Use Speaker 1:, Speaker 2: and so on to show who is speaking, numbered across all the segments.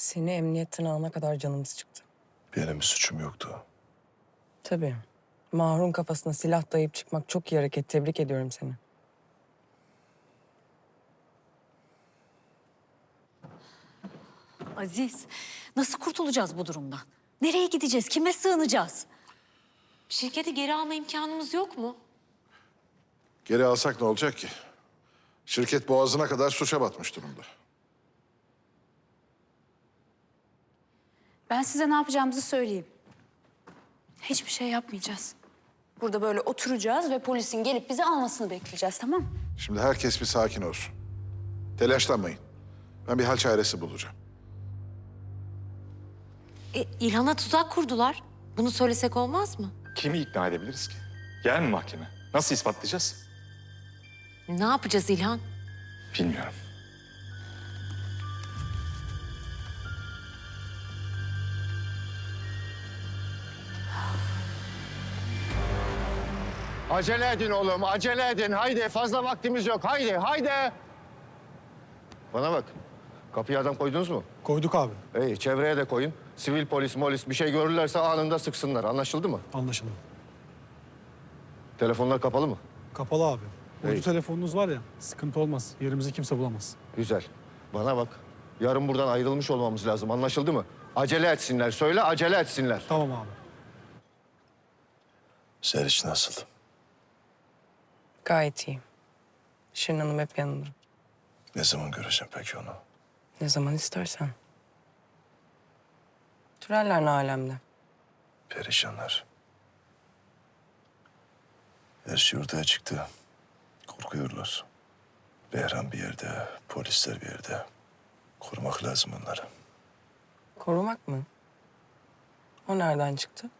Speaker 1: Seni emniyetten alana kadar canımız çıktı.
Speaker 2: Benim bir suçum yoktu.
Speaker 1: Tabii. Mahrun kafasına silah dayayıp çıkmak çok iyi hareket. Tebrik ediyorum seni.
Speaker 3: Aziz, nasıl kurtulacağız bu durumdan? Nereye gideceğiz? Kime sığınacağız?
Speaker 4: Şirketi geri alma imkanımız yok mu?
Speaker 2: Geri alsak ne olacak ki? Şirket boğazına kadar suça batmış durumda.
Speaker 5: Ben size ne yapacağımızı söyleyeyim. Hiçbir şey yapmayacağız. Burada böyle oturacağız ve polisin gelip bizi almasını bekleyeceğiz, tamam mı?
Speaker 2: Şimdi herkes bir sakin olsun. Telaşlanmayın. Ben bir hal çaresi bulacağım.
Speaker 4: İlhan'a tuzak kurdular. Bunu söylesek olmaz mı?
Speaker 6: Kimi ikna edebiliriz ki? Yer mi mahkeme? Nasıl ispatlayacağız?
Speaker 4: Ne yapacağız İlhan?
Speaker 6: Bilmiyorum.
Speaker 7: Acele edin oğlum, acele edin. Haydi, fazla vaktimiz yok. Haydi, haydi. Bana bak, kapıya adam koydunuz mu?
Speaker 8: Koyduk abi.
Speaker 7: İyi, çevreye de koyun. Sivil polis, molis bir şey görürlerse anında sıksınlar. Anlaşıldı mı?
Speaker 8: Anlaşıldı.
Speaker 7: Telefonlar kapalı mı?
Speaker 8: Kapalı abi.
Speaker 7: İyi.
Speaker 8: Uydu telefonunuz var ya, sıkıntı olmaz. Yerimizi kimse bulamaz.
Speaker 7: Güzel. Bana bak, yarın buradan ayrılmış olmamız lazım. Anlaşıldı mı? Acele etsinler. Söyle, acele etsinler.
Speaker 8: Tamam abi.
Speaker 2: Seriç nasıl?
Speaker 1: Gayet iyi. Şirin Hanım hep yanında.
Speaker 2: Ne zaman göreceğim peki onu?
Speaker 1: Ne zaman istersen. Türeller ne alemde?
Speaker 2: Perişanlar. Her şey ortaya çıktı. Korkuyorlar. Behram bir yerde, polisler bir yerde. Korumak lazım onları.
Speaker 1: Korumak mı? O nereden çıktı?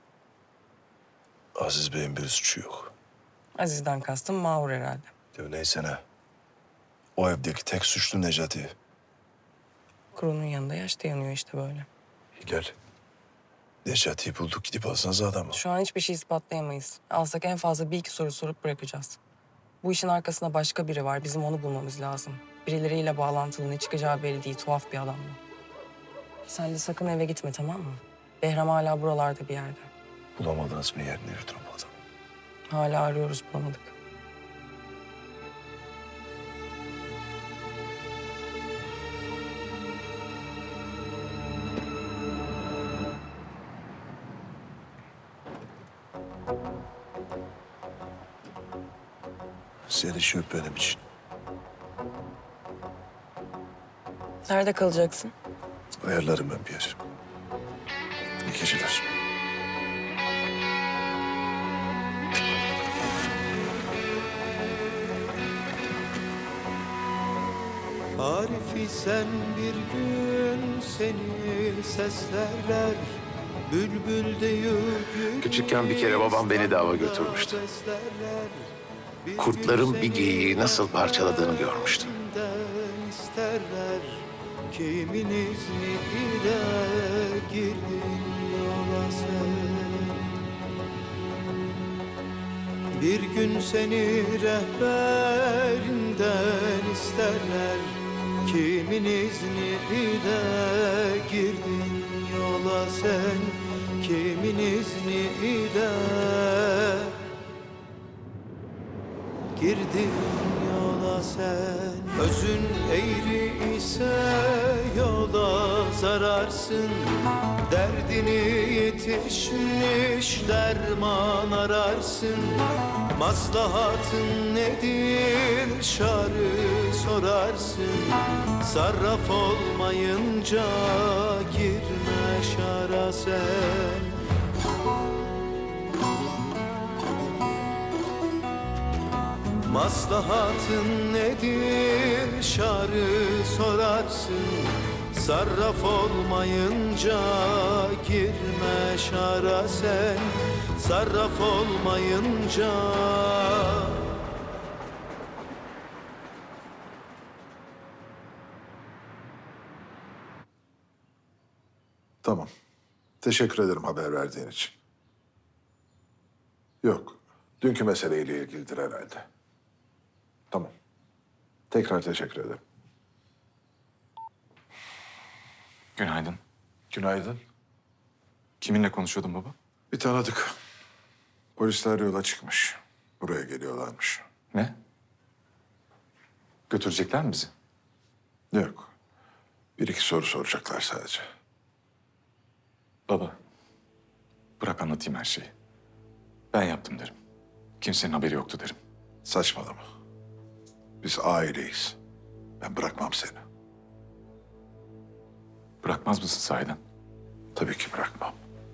Speaker 2: Aziz Bey'in bir suçu yok.
Speaker 1: Aziz'den kastım Mahur herhalde.
Speaker 2: Ya neyse ne. O evdeki tek suçlu Necati.
Speaker 1: Kurunun yanında yaş da yanıyor işte böyle.
Speaker 2: Hilal. Necati'yi bulduk, gidip alsanız adamı.
Speaker 1: Şu an hiçbir şey ispatlayamayız. Alsak en fazla bir iki soru sorup bırakacağız. Bu işin arkasında başka biri var. Bizim onu bulmamız lazım. Birileriyle bağlantılı, ne çıkacağı belli değil. Tuhaf bir adam bu. Sen de sakın eve gitme, tamam mı? Behram hala buralarda bir yerde.
Speaker 2: Bulamadınız mı yerini yurdunu bu adamı?
Speaker 1: Hala arıyoruz, bulamadık.
Speaker 2: Seriç yok benim için.
Speaker 1: Nerede kalacaksın?
Speaker 2: Ayarlarım ben bir yer. İyi geceler.
Speaker 9: Arifi sen bir gün seni seslerler. Bülbül deyip
Speaker 10: Küçükken bir kere babam beni de ava götürmüştü. Kurtların bir geyiği nasıl parçaladığını görmüştüm.
Speaker 9: isterler. Kimin izniyle girdin yola sen? Bir gün seni rehberinden isterler. Kimin izniyle girdin yola sen? Kimin izniyle girdin yola sen? Özün eğri ise yola zararsın. Derdini yetişmiş derman ararsın. Maslahatın nedir şarı sorarsın. Sarraf olmayınca girme şara sen. Maslahatın nedir şarı sorarsın. Sarraf olmayınca girme şara sen. Sarraf olmayınca.
Speaker 2: Tamam. Teşekkür ederim haber verdiğin için. Yok. Dünkü meseleyle ilgilidir herhalde. Tamam. Tekrar teşekkür ederim.
Speaker 6: Günaydın.
Speaker 2: Günaydın.
Speaker 6: Kiminle konuşuyordun baba?
Speaker 2: Bir tanıdık. Polisler yola çıkmış. Buraya geliyorlarmış.
Speaker 6: Ne? Götürecekler mi bizi?
Speaker 2: Yok. Bir iki soru soracaklar sadece.
Speaker 6: Baba, bırak anlatayım her şeyi. Ben yaptım derim. Kimsenin haberi yoktu derim.
Speaker 2: Saçmalama. Biz aileyiz. Ben bırakmam seni.
Speaker 6: Bırakmaz mısın sahiden?
Speaker 2: Tabii ki bırakmam.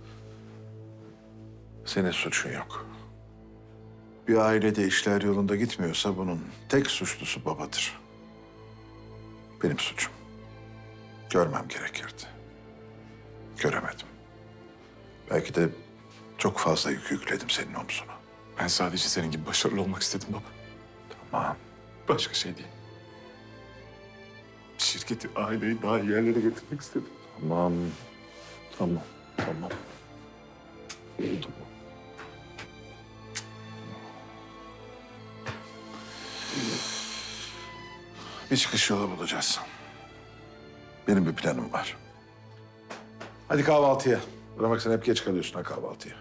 Speaker 2: Senin suçun yok. Bir ailede işler yolunda gitmiyorsa bunun tek suçlusu babadır. Benim suçum. Görmem gerekirdi. Göremedim. Belki de çok fazla yük yükledim senin omzuna.
Speaker 6: Ben sadece senin gibi başarılı olmak istedim baba.
Speaker 2: Tamam.
Speaker 6: Başka şey değil. Şirketi, aileyi daha iyi yerlere getirmek istedim.
Speaker 2: Tamam. Tamam. Tamam. Oldu mu? Bir çıkış yolu bulacağız. Benim bir planım var. Hadi kahvaltıya. Buna bak sen hep geç kalıyorsun ha kahvaltıya.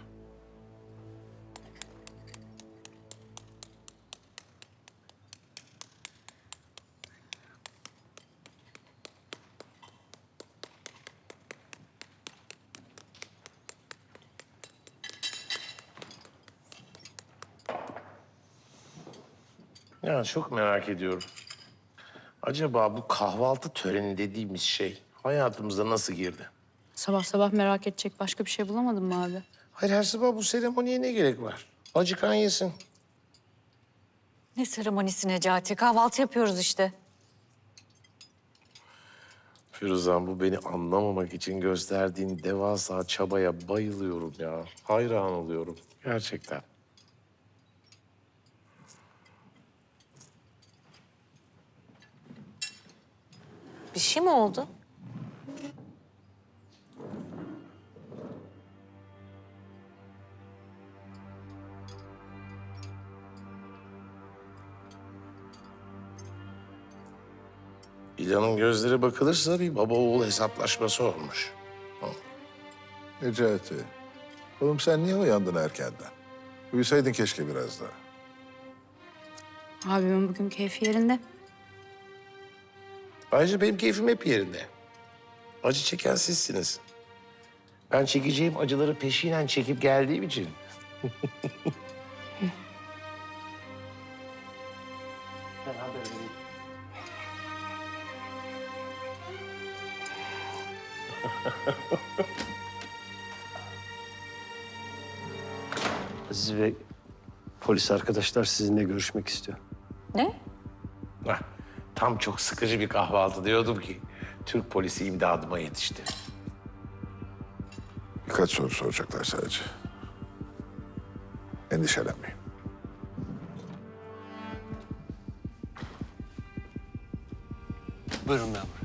Speaker 10: Ya çok merak ediyorum. Acaba bu kahvaltı töreni dediğimiz şey hayatımıza nasıl girdi?
Speaker 5: Sabah sabah merak edecek başka bir şey bulamadın mı abi?
Speaker 10: Hayır, her sabah bu seremoniye ne gerek var? Acıkan yesin.
Speaker 3: Ne seremonisi Necati? Kahvaltı yapıyoruz işte.
Speaker 10: Firuzan, bu beni anlamamak için gösterdiğin devasa çabaya bayılıyorum ya. Hayran oluyorum gerçekten.
Speaker 4: Bir şey mi oldu?
Speaker 10: İlhan'ın gözleri bakılırsa bir baba oğul hesaplaşması olmuş.
Speaker 2: Necati. Oğlum sen niye uyandın erkenden? Uyusaydın keşke biraz daha.
Speaker 5: Abimin bugün keyfi yerinde.
Speaker 10: Ayrıca benim keyfim hep yerinde. Acı çeken sizsiniz. Ben çekeceğim acıları peşinen çekip geldiğim için.
Speaker 11: Aziz Bey, polis arkadaşlar sizinle görüşmek istiyor.
Speaker 5: Ne?
Speaker 10: Hah, tam çok sıkıcı bir kahvaltı diyordum ki Türk polisi imdadıma yetişti.
Speaker 2: Birkaç soru soracaklar sadece. Endişelenmeyin.
Speaker 11: Buyurun memur.